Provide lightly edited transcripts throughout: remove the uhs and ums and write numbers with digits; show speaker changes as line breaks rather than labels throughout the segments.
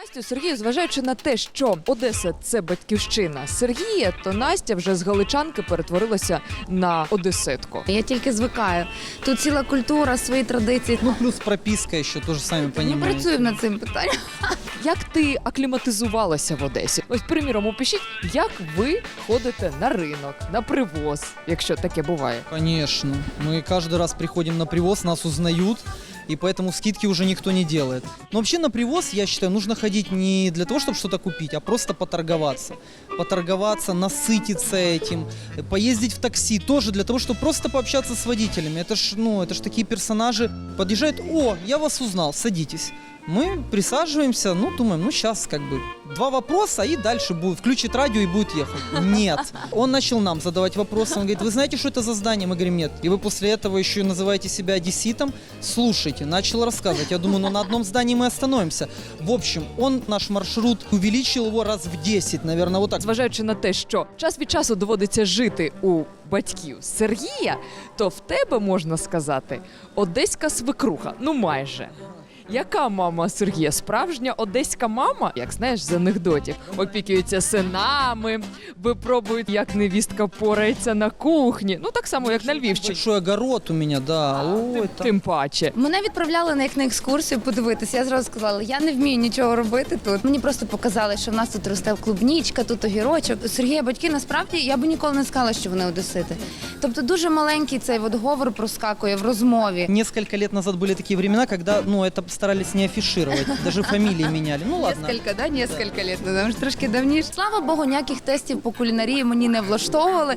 Настю, Сергію, зважаючи на те, що Одеса – це батьківщина Сергія, то Настя вже з галичанки перетворилася на одеситку.
Я тільки звикаю. Тут ціла культура, свої традиції.
Ну, плюс прописка еще, тоже сами
Ми
понимаете.
працюємо над цим питанням.
Як ти акліматизувалася в Одесі? Ось, приміром, опишіть, як ви ходите на ринок, на привоз, якщо таке буває.
Конечно. Мы каждый раз приходим на привоз, нас узнают, и поэтому скидки уже никто не делает. Но вообще на привоз, я считаю, нужно ходить не для того, чтобы что-то купить, а просто поторговаться. Поторговаться, насытиться этим, поездить в такси тоже для того, чтобы просто пообщаться с водителями. Это ж такие персонажи. Подъезжают: о, я вас узнал, садитесь. Мы присаживаемся, думаем, сейчас как бы 2 вопроса, и дальше включит радио и будет ехать. Нет. Он начал нам задавать вопросы. Он говорит: вы знаете, что это за здание? Мы говорим: нет. И вы после этого еще называете себя одесситом? Слушайте. Начал рассказывать. Я думаю, на одном здании мы остановимся. В общем, он наш маршрут увеличил его раз в 10, наверное, вот так.
Зважаючи на те, що час від часу доводиться жити у батьків Сергія, то в тебе, можна сказати, одеська свекруха. Ну майже. Яка мама Сергія? Справжня одеська мама? Як знаєш з анекдотів. Опікується синами, випробують, як невістка порається на кухні. Ну так само, як на Львівщині.
Большой огород у меня, да. Ой, там.
Тим паче.
Мене відправляли на екскурсію подивитися. Я зразу сказала, я не вмію нічого робити тут. Мені просто показали, що в нас тут росте клубнічка, тут огірочок. Сергія батьки, насправді, я би ніколи не сказала, що вони одесити. Тобто дуже маленький цей говор проскакує в розмові.
Несколько лет назад были такие времена, когда, это старались не афишировать, даже фамилии меняли. Ну ладно.
Несколько лет, тому що трошки давніше. Слава Богу, ніяких тестів по кулінарії мені не влаштовували.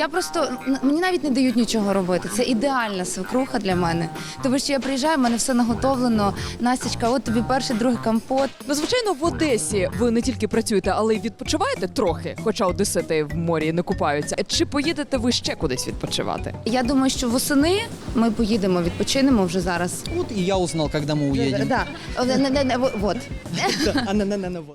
Мені навіть не дають нічого робити. Це ідеальна свекруха для мене. Тому що я приїжджаю, в мене все наготовлено. Настічка, от тобі перший, другий компот.
Ну, звичайно, в Одесі ви не тільки працюєте, але й відпочиваєте трохи, хоча одесити в морі не купаються. Чи поїдете ви ще кудись відпочивати?
Я думаю, що восени ми поїдемо, відпочинемо вже зараз.
Вот и я узнал, когда мы уедем.
Да. Вот.
Да, вот.